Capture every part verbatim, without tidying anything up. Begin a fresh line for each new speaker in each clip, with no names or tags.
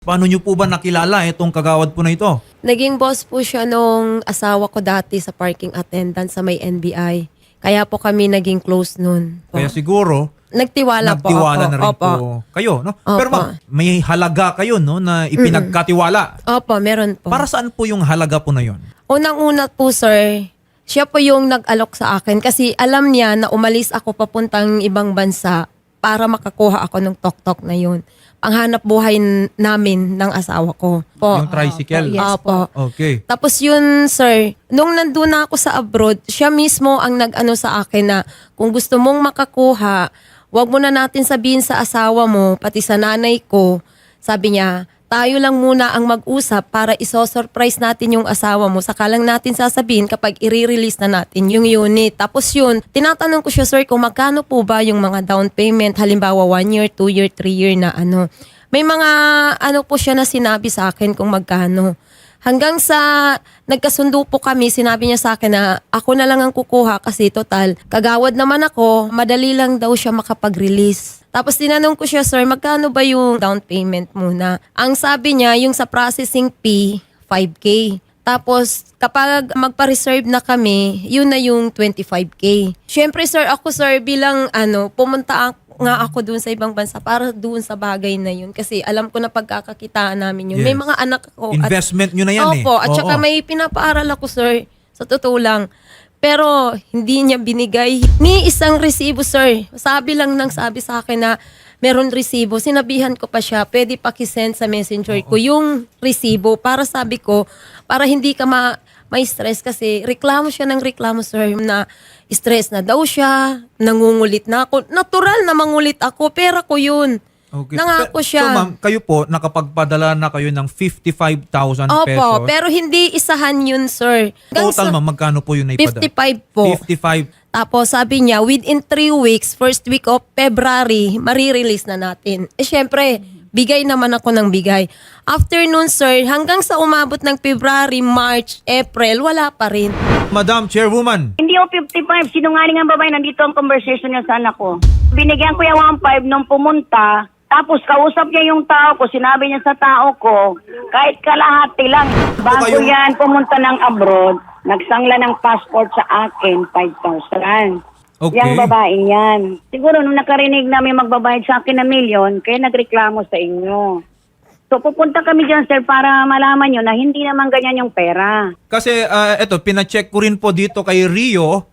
Paano nyo po ba nakilala itong kagawad po na ito?
Naging boss po siya nung asawa ko dati sa parking attendant sa may N B I. Kaya po kami naging close nun. Po.
Kaya siguro,
Nagtiwala, po
nagtiwala
ako.
na rin
Opo.
po kayo. No?
Opo.
Pero ma'am, may halaga kayo no, na ipinagkatiwala.
Opo, meron po.
Para saan po yung halaga po na yon?
Unang-una po, sir, siya po yung nag-alok sa akin kasi alam niya na umalis ako papuntang ibang bansa para makakuha ako ng tok-tok na yun. Ang hanap buhay n- namin ng asawa ko. Po.
Yung tricycle?
Yes po.
Okay.
Tapos yun, sir, nung nandun na ako sa abroad, siya mismo ang nag-ano sa akin na kung gusto mong makakuha, wag mo na natin sabihin sa asawa mo, pati sa nanay ko. Sabi niya, tayo lang muna ang mag-usap para iso-surprise natin yung asawa mo. Saka lang natin sasabihin kapag i-release na natin yung unit. Tapos yun, tinatanong ko siya, sir, kung magkano po ba yung mga down payment, halimbawa one year, two year, three year na ano. May mga ano po siya na sinabi sa akin kung magkano. Hanggang sa nagkasundo po kami, sinabi niya sa akin na ako na lang ang kukuha kasi total, kagawad naman ako, madali lang daw siya makapag-release. Tapos tinanong ko siya, sir, magkano ba yung down payment muna? Ang sabi niya, yung sa processing fee, five K. Tapos kapag magpa-reserve na kami, yun na yung twenty-five K. Siyempre, sir, ako, sir, bilang ano, pumunta ako nga ako doon sa ibang bansa para doon sa bagay na yun. Kasi alam ko na pagkakakitaan namin yun.
Yes.
May mga anak ko.
Investment nyo na yan eh.
Opo, at saka
Oo.
may pinapaaral ako, sir. Sa totoo lang. Pero hindi niya binigay ni isang resibo, sir. Sabi lang nang sabi sa akin na meron resibo. Sinabihan ko pa siya, pwede pakisend sa messenger ko yung resibo para sabi ko, para hindi ka ma may stress kasi reklamo siya ng reklamo, sir, na stress na daw siya, nangungulit na ako. Natural na mangulit ako, pera ko yun.
Okay.
Nangako
Pe-
siya.
So ma'am, kayo po, nakapagpadala na kayo ng fifty-five thousand pesos.
Opo, pero hindi isahan yun, sir. Hanggang
Total
sa-
ma'am, magkano po yun na ipadala?
fifty-five po.
fifty-five.
Tapos sabi niya, within three weeks, first week of February, marirelease na natin. Eh syempre, bigay naman ako ng bigay. After nun, sir, hanggang sa umabot ng February, March, April, wala pa rin.
Madam Chairwoman,
Hindi ako fifty-five. Sinungaling ang babae. Nandito ang conversation niya sa anak ko. Binigyan ko yung one five nung pumunta. Tapos kausap niya yung tao ko. Sinabi niya sa tao ko, kahit kalahati lang. Bago
kayong-
yan pumunta ng abroad, nagsangla ng passport sa akin, five thousand.
Okay.
Yang babae yan. Siguro nung nakarinig na may magbabayad sa akin na milyon, kaya nagreklamo sa inyo. So pupunta kami dyan, sir, para malaman nyo na hindi naman ganyan yung pera.
kasi ah, eto, pina-check ko rin po dito kay Rio.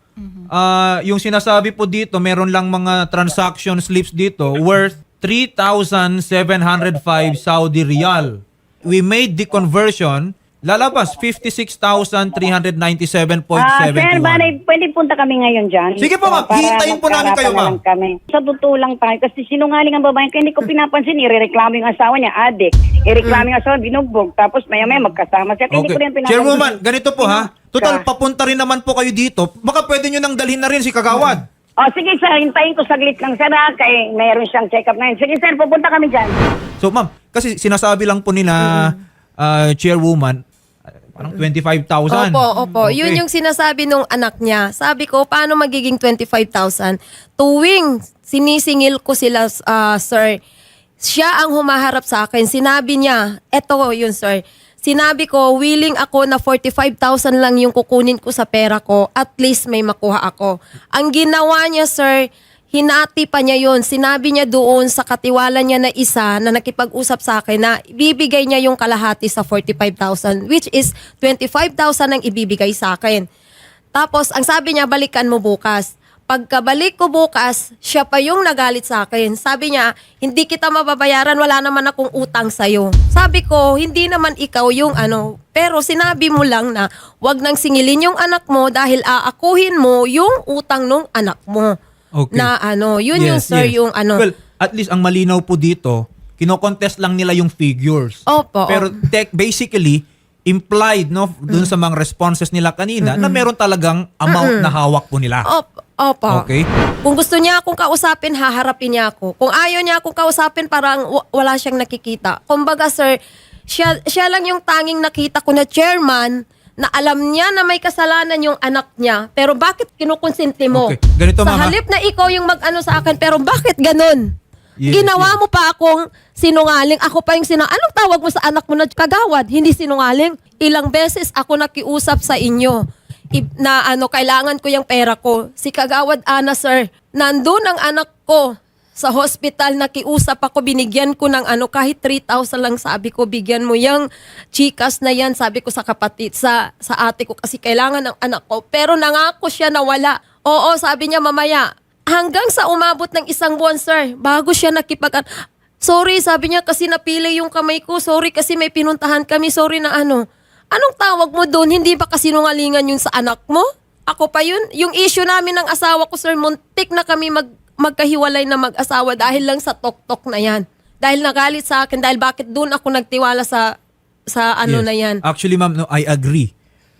Ah, yung sinasabi po dito, meron lang mga transaction slips dito worth three thousand seven hundred five Saudi Riyal. We made the conversion, lalabas fifty-six thousand three hundred ninety-seven point
Ah,
seven
sir,
one.
bale, pwede punta kami ngayon dyan.
Sige po, ma'am.
Para
Hihintayin po namin kayo,
magkaarapan na
ma'am.
lang Kami. Sa totoo lang tayo, kasi sinungaling ang babae, kaya hindi ko pinapansin, irereklamo yung asawa niya, adik. Ireklamo yung asawa, binugbog. Tapos maya-maya magkasama siya, kaya hindi ko rin pinapansin.
Chairwoman, ganito po ha. Total,
Ka.
papunta rin naman po kayo dito. Baka pwede nyo nang dalhin na rin si Kagawad.
O, sige sir, hintayin ko saglit lang, sir, ha, kaya mayroon siyang check-up ngayon. Sige sir, pupunta kami dyan.
So ma'am, kasi sinasabi lang po nila ah, Chairwoman, ah, parang twenty-five thousand.
Opo, opo.
Okay.
Yun yung sinasabi nung anak niya. Sabi ko, paano magiging twenty-five thousand? Tuwing sinisingil ko sila, ah, sir, siya ang humaharap sa akin. Sinabi niya, eto yun, sir. Sinabi ko, willing ako na forty-five thousand lang yung kukunin ko sa pera ko. At least may makuha ako. Ang ginawa niya, sir, hinati pa niya yun. Sinabi niya doon sa katiwala niya na isa na nakipag-usap sa akin na ibibigay niya yung kalahati sa forty-five thousand, which is twenty-five thousand ang ibibigay sa akin. Tapos, ang sabi niya, balikan mo bukas. Pagkabalik ko bukas, siya pa yung nagalit sa akin. Sabi niya, hindi kita mababayaran, wala naman akong utang sa'yo. Sabi ko, hindi naman ikaw yung ano, pero sinabi mo lang na wag nang singilin yung anak mo dahil aakuhin mo yung utang nung anak mo.
Okay.
Na ano, yun yung
Yes,
sir,
yes.
yung ano.
Well, at least ang malinaw po dito, kino-contest lang nila yung figures.
Opo.
Pero tech, basically, implied no dun sa mga responses nila kanina na meron talagang amount na hawak po nila.
Opo. Opo.
Okay.
Kung gusto niya akong kausapin, haharapin niya ako. Kung ayaw niya akong kausapin, parang w- wala siyang nakikita. Kumbaga, sir, siya, siya lang yung tanging nakita ko na chairman na alam niya na may kasalanan yung anak niya. Pero bakit kinukonsinti mo?
Okay. Ganito,
Sa
ma'am, ha?
halip na ikaw yung mag-ano sa akin, pero bakit ganun?
Yes,
Ginawa
yes.
mo pa akong sinungaling. Ako pa yung sinungaling. Anong tawag mo sa anak mo na kagawad? Hindi sinungaling. Ilang beses ako nakiusap sa inyo I- na ano, kailangan ko yung pera ko. Si Kagawad Ana, sir, nandun ang anak ko sa hospital, nakiusap ako, binigyan ko ng ano, kahit three thousand lang, sabi ko, bigyan mo yung chikas na yan, sabi ko sa kapatid, sa, sa ate ko, kasi kailangan ng anak ko. Pero nangako siya na wala. Oo, sabi niya mamaya. Hanggang sa umabot ng isang buwan, sir, bago siya nakipag... Sorry, sabi niya, kasi napili yung kamay ko. Sorry, kasi may pinuntahan kami. Sorry na ano. Anong tawag mo doon? Hindi ba kasi nungalingan yun sa anak mo? Ako pa yun. Yung issue namin ng asawa ko, sir, muntik na kami mag, magkahiwalay na mag-asawa dahil lang sa tok-tok na yan. Dahil nagalit sa akin, dahil bakit doon ako nagtiwala sa sa ano
Yes.
na yan.
Actually, ma'am, no, I agree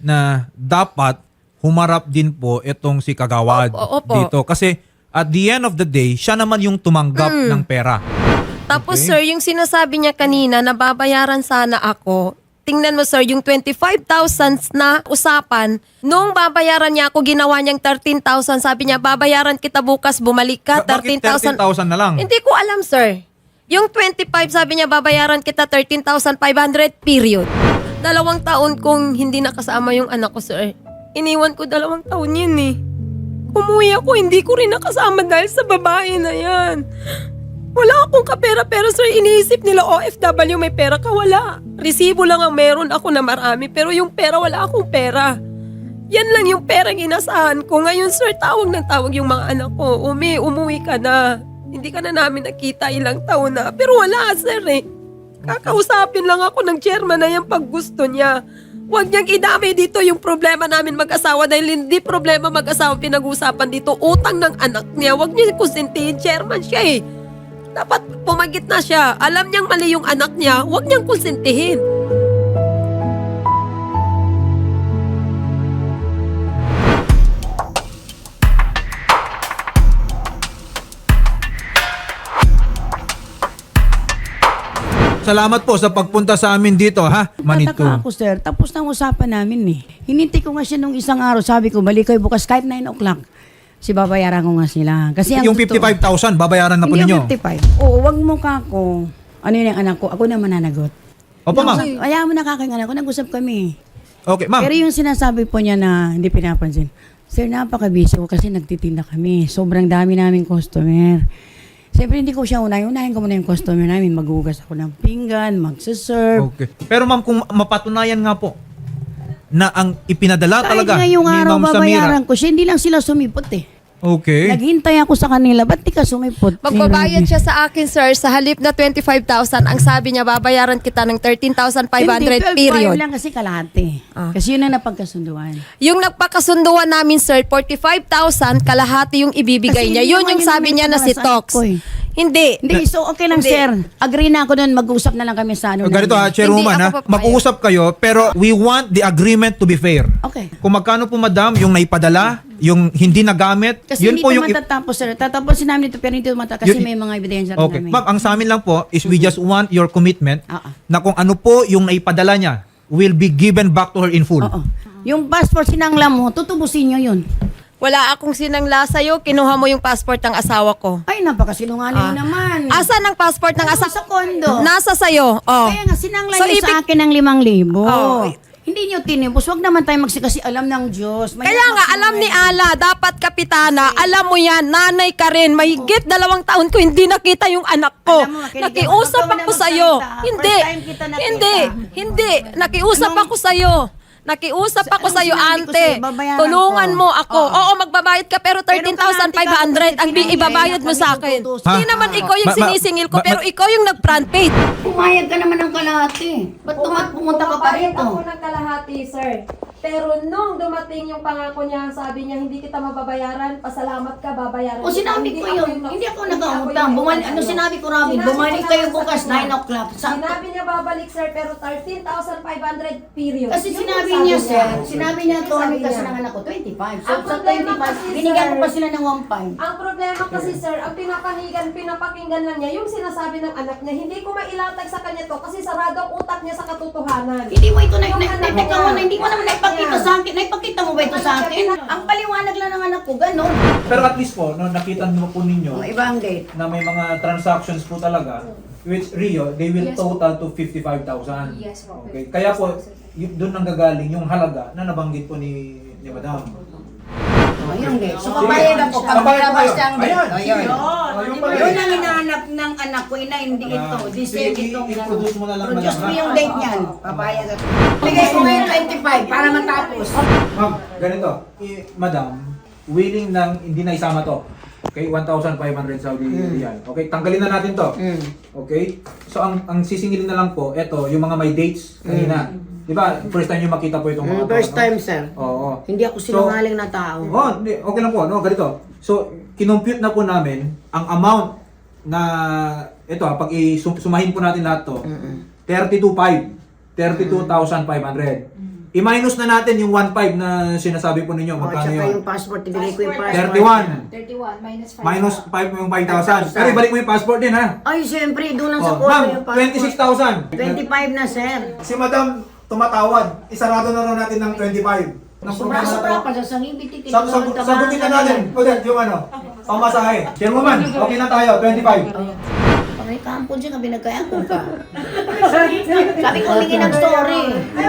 na dapat humarap din po itong si Kagawad
Opo, opo.
dito. Kasi at the end of the day, siya naman yung tumanggap
Mm.
ng pera.
Tapos
Okay.
sir, yung sinasabi niya kanina na babayaran sana ako, tingnan mo sir, yung twenty-five thousand na usapan, nung babayaran niya ako, ginawa niyang thirteen thousand. Sabi niya, babayaran kita bukas, bumalik ka,
Ba-
thirteen
Bakit
thousand.
thirteen thousand na lang?
Hindi ko alam sir. Yung twenty-five, sabi niya, babayaran kita thirteen thousand five hundred, period. Dalawang taon kong hindi nakasama yung anak ko sir. Iniwan ko dalawang taon yun eh. Umuwi ako, hindi ko rin nakasama dahil sa babae na yan. Wala akong kapera, pero sir, iniisip nila O F W, may pera ka, wala. Resibo lang ang meron ako na marami, pero yung pera, wala akong pera. Yan lang yung pera inasahan ko. Ngayon sir, tawag ng tawag yung mga anak ko. Umi, umuwi ka na. Hindi ka na namin nakita ilang taon na. Pero wala sir eh. Kakausapin lang ako ng chairman na yan pag gusto niya. Huwag niyang idamay dito yung problema namin mag-asawa dahil hindi problema mag-asawa pinag-usapan dito. Utang ng anak niya. Huwag niya konsintihin. Chairman siya eh. Dapat pumagit na siya. Alam niyang mali yung anak niya. Huwag niyang konsintihin.
Salamat po sa pagpunta sa amin dito, ha? Manito.
Tataka ako, sir. Tapos na ang usapan namin eh. Hinintay ko nga siya nung isang araw. Sabi ko, balik kayo bukas kahit nine o'clock. Si babayaran ko nga sila. Kasi ang
Yung
totoo-
fifty-five thousand, babayaran na po
Hindi
ninyo.
yung fifty-five. Oo, wag mo ka ako. Ano yun yung anak ko? Ako na mananagot.
Opo, ma'am.
Ayaw mo na kaking anak ko. Nag-usap kami.
Okay, ma'am.
Pero yung sinasabi po niya na hindi pinapansin. Sir, napaka-busy ko kasi nagtitinda kami. Sobrang dami naming customer. Siyempre, hindi ko siya unahin. Unahin ko muna yung customer namin. Maghugas ako ng pinggan, magsaserve.
Okay. Pero ma'am, kung mapatunayan nga po na ang ipinadala
Kahit
talaga
nga yung
ni
araw
Ma'am Samira.
babayaran ko siya, hindi lang sila sumipot eh.
Okay.
Naghintay ako sa kanila. Ba't di ka sumipot?
Magbabayad siya sa akin, sir, sa halip na twenty-five thousand. Ang sabi niya, babayaran kita ng thirteen thousand five hundred,
Hindi,
period.
twelve five lang kasi kalahati.
Ah.
Kasi yun ang napagkasunduan.
Yung nagpakasunduan namin, sir, forty-five thousand, kalahati yung ibibigay
Kasi
niya.
hindi
Yun
naman
yung
yun
sabi
yung
niya na si
pinalasan
Tox.
ko eh.
Hindi.
Hindi, so okay lang
Hindi.
sir. Agree na ako doon. Mag-usap na lang kami sa ano.
Ganito ha,
namin.
Chairwoman
Hindi
ha.
ako papayag.
Mag-uusap kayo, pero we want the agreement to be fair.
Okay.
Kung magkano po, madam, yung naipadala, yung hindi nagamit,
Kasi
yun
hindi
po
ito
yung...
matatapos sir. Tatapusin namin ito pero hindi ito matatapos kasi
Yun-
may mga ebidensya rin
Okay.
namin.
Ma'am, ang sa amin lang po is we just want your commitment
Oo.
na kung ano po yung naipadala niya will be given back to her in full.
Oo. Yung passport sinangla mo, tutubusin nyo yun.
Wala akong sinangla sa'yo, kinuha mo yung passport ng asawa ko.
Ay, napakasinungaling
Ah.
naman.
Asan ang passport ng
Nandun
asawa?
sa kondo.
Nasa sa'yo. Oh.
Kaya nga, sinangla
So,
niyo
ibig-
sa akin ng limang libo.
Oh.
Hindi niyo tinipos. Huwag naman tayo magsi kasi alam ng Diyos. May
Kaya nga, alam ni Ala, dapat kapitana, alam mo yan, nanay ka rin, mahigit dalawang taon ko hindi nakita yung anak ko.
Alam mo, makinig
Nakiusap
ako. Huwag ka
ako
muna
sa'yo.
magsalita.
Hindi,
First time kita nakita.
hindi, hindi. Nakiusap
Anong-
ako sa'yo. Nakiusap
Sa-
ako
anong
sa'yo,
sinabi ko
ante.
sa'yo? Babayaran
Tulungan
ko.
mo ako.
Oo.
Oo, magbabayad ka, pero thirteen thousand five hundred ang bi- ibabayad mo sa akin.
Ha?
Hindi naman ikaw yung
Ma- ma-
sinisingil ko,
ma-
pero
ma-
ikaw yung nag-front page.
Pumayag ka naman ng kalahati. Ba't tumat pumunta ka pa rito?
ng kalahati, sir. Pero nung dumating yung pangako niya, sabi niya, hindi kita mababayaran, pasalamat ka, babayaran.
O sinabi ko yun, hindi ako nag-autang. Bumalik, ano sinabi ko Robin, bumalik kayo bukas nine o'clock. Sa,
Sinabi niya babalik, sir, pero thirteen thousand five hundred, period.
kasi
Yun
sinabi
yung
niya
sabi
sir, sinabi niya to,
Sabi
ano kasi
niya.
ng anak ko, twenty-five. So
Ang
sa
problema
twenty-five,
kasi,
binigyan ko
sir,
pa sila ng one five.
Ang problema kasi, sir, ang pinapanigan, pinapakinggan lang niya, yung sinasabi ng anak niya, hindi ko mailatag sa kanya to kasi sarado ang utak niya sa katotohanan.
Hindi mo ito na,
Yung
na,
anak
na,
niya.
na, na, hindi mo naman
ipakita sa akin. Naipakita mo ba ito sa akin? Ang paliwanag lang ng anak ko, ganun.
Pero at least po, no, nakita nyo po ninyo
Ang iba ang date.
na may mga transactions po talaga, which Rio, they will
Yes po.
total to fifty-five thousand.
Yes po.
Okay. Kaya po, y- doon nang gagaling yung halaga na nabanggit po ni, ni Madam.
Oh, yung date. So,
Sige.
papayag ako pag
Papayag
malabas
kayo.
ang date.
Ayan,
Oh,
sige.
yun.
Oh, yung pala.
Yun ang hinahanap ng anak ko, ina, hindi ito.
Ah,
This
sige,
is itong...
i- i-produce mo na lang,
Produce
madam,
mo
ha?
yung date niyan. Papayag ako. Bigay ko ngayon twenty-five para matapos.
Ma'am, ganito. Eh, Madam, willing nang hindi na isama to. Okay, one thousand five hundred Saudi Riyal. Okay, tanggalin na natin to.
Mm.
Okay? So ang ang sisingilin na lang po, eto, yung mga may dates kanina. 'Di ba? First time niyo makita po itong mga
Mm, first
to, no?
time, sir.
Oo.
Hindi ako sinungaling na tao.
Oh, hindi, okay lang po, no, ganito. So, kinompute na po namin ang amount na ito, ah, pag i-sumahin po natin lahat to, thirty-two point five. thirty-two thousand five hundred. I-minus na natin yung one point five na sinasabi po ninyo.
Oh,
Magkano
tsaka
yun?
yung passport, ibigay ko yung passport.
thirty-one.
thirty-one minus five.
Minus five yung five thousand. Pero ibalik mo yung passport din, ha?
Ay, siyempre, doon lang
Oh,
sa kwarto
ma'am,
yung passport.
twenty-six thousand.
twenty-five na, sir.
Si Madam tumatawad. Isarado na raw natin ng twenty-five. Ng problema na
Sobra-sobra
to.
pa sa sangibiti.
Sag sag sagutin na natin. Ulit, yung ano, pamasahe. Chairwoman, okay na tayo, twenty-five.
Pangay kampon siya, kabi nagkayang ko ka. Sabi ko, humingi ng story.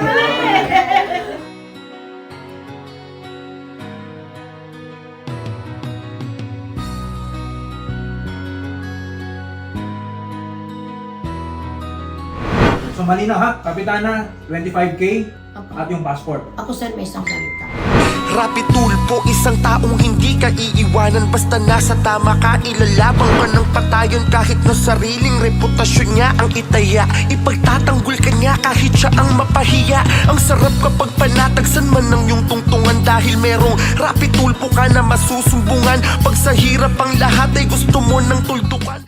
So malinaw ha, Kapitana, twenty-five K at yung passport.
Ako, sir, may isang salita.
Rapi tulpo, isang taong hindi ka iiwanan. Basta nasa tama ka, ilalabang ka ng patayon. Kahit na sariling reputasyon niya ang itaya, ipagtatanggol ka niya kahit siya ang mapahiya. Ang sarap kapag panatagsan man ng iyong tungtungan, dahil merong rapi tulpo ka na masusumbungan. Pag sa hirap ang lahat ay gusto mo ng tuldukan.